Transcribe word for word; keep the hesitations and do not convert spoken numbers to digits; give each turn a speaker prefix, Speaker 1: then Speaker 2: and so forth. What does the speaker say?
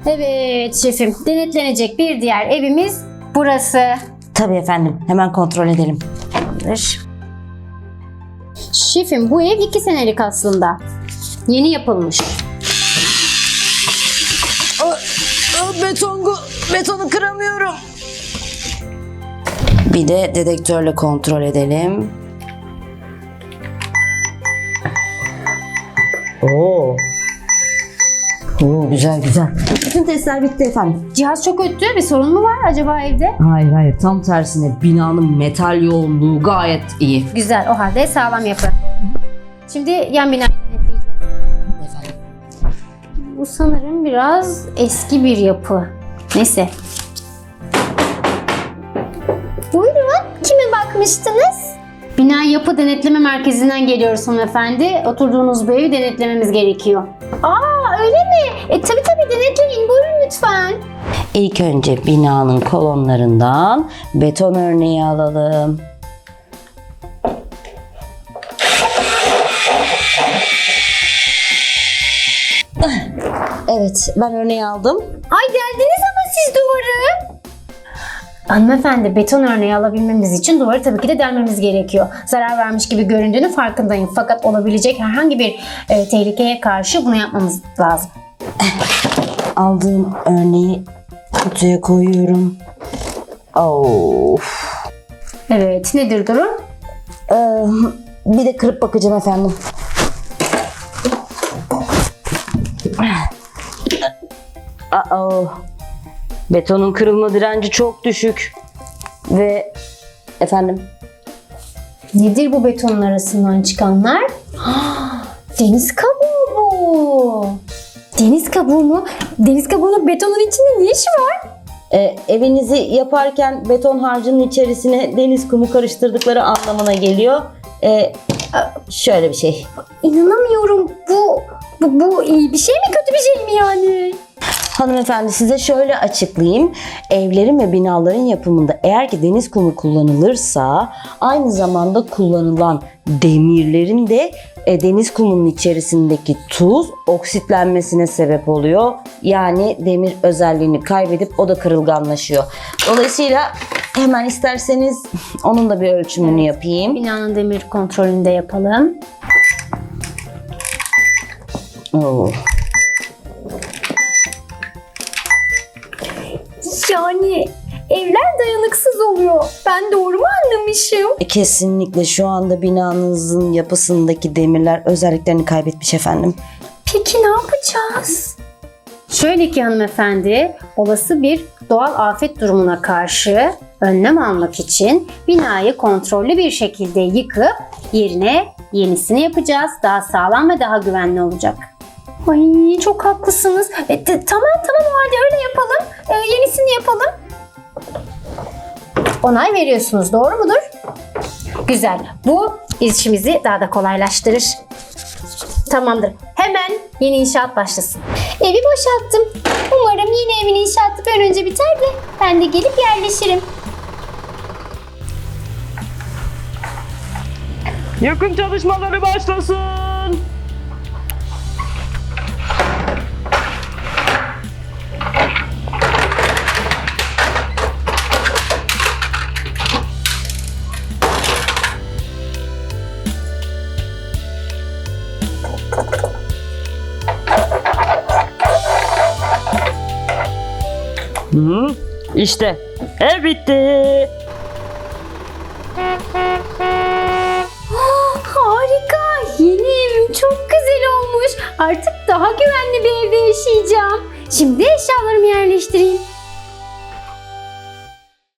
Speaker 1: Evet şefim, denetlenecek bir diğer evimiz burası.
Speaker 2: Tabii efendim, hemen kontrol edelim.
Speaker 1: Tamamdır. Şefim bu ev iki senelik aslında. Yeni yapılmış.
Speaker 2: Beton, betonu kıramıyorum. Bir de dedektörle kontrol edelim. Oo. Oo, güzel güzel. Bütün testler bitti efendim.
Speaker 1: Cihaz çok öttü. Bir sorun mu var acaba evde?
Speaker 2: Hayır hayır, tam tersine binanın metal yoğunluğu gayet iyi.
Speaker 1: Güzel. O halde sağlam yapı. Şimdi yan binayı denetleyeceğiz.
Speaker 2: Efendim.
Speaker 1: Bu sanırım biraz eski bir yapı. Neyse. Buyurun. Kime bakmıştınız? Bina Yapı Denetleme Merkezi'nden geliyoruz hanımefendi. Oturduğunuz bu evi denetlememiz gerekiyor. Aa öyle mi? E tabii tabii denetleyin. Buyurun lütfen.
Speaker 2: İlk önce binanın kolonlarından beton örneği alalım. Evet, ben örneği aldım.
Speaker 1: Ay geldiniz ama siz duvarı. Hanımefendi beton örneği alabilmemiz için duvarı tabii ki de delmemiz gerekiyor. Zarar vermiş gibi göründüğünü farkındayım. Fakat olabilecek herhangi bir e, tehlikeye karşı bunu yapmamız lazım.
Speaker 2: Aldığım örneği kutuya koyuyorum. Of.
Speaker 1: Evet nedir durum?
Speaker 2: Ee, bir de kırıp bakacağım efendim. Uh-oh. Betonun kırılma direnci çok düşük. Ve efendim,
Speaker 1: Nedir bu betonun arasından çıkanlar? Deniz kabuğu bu. Deniz kabuğu mu? Deniz kabuğunun betonun içinde ne işi var?
Speaker 2: e, evinizi yaparken beton harcının içerisine deniz kumu karıştırdıkları anlamına geliyor. E, şöyle bir şey.
Speaker 1: İnanamıyorum. Bu, bu, bu iyi bir şey mi kötü bir şey mi yani?
Speaker 2: Hanımefendi, size şöyle açıklayayım. Evlerin ve binaların yapımında eğer ki deniz kumu kullanılırsa aynı zamanda kullanılan demirlerin de e, deniz kumunun içerisindeki tuz oksitlenmesine sebep oluyor. Yani demir özelliğini kaybedip o da kırılganlaşıyor. Dolayısıyla hemen isterseniz onun da bir ölçümünü yapayım.
Speaker 1: Binanın demir kontrolünü de yapalım.
Speaker 2: Oo.
Speaker 1: Yani evler dayanıksız oluyor. Ben doğru mu anlamışım?
Speaker 2: E, Kesinlikle şu anda binanızın yapısındaki demirler özelliklerini kaybetmiş efendim.
Speaker 1: Peki ne yapacağız? Şöyle ki hanımefendi, olası bir doğal afet durumuna karşı önlem almak için binayı kontrollü bir şekilde yıkıp yerine yenisini yapacağız. Daha sağlam ve daha güvenli olacak. Ay çok haklısınız. E, t- tamam tamam o halde öyle yapalım. E, yenisini yapalım. Onay veriyorsunuz, doğru mudur? Güzel. Bu işimizi daha da kolaylaştırır. Tamamdır. Hemen yeni inşaat başlasın. Evi boşalttım. Umarım yeni evin inşaatı bir an önce biter de ben de gelip yerleşirim.
Speaker 3: Yakın çalışmaları başlasın. Hı, işte ev bitti.
Speaker 1: Harika. Yeni evim çok güzel olmuş. Artık daha güvenli bir evde yaşayacağım. Şimdi eşyalarımı yerleştireyim.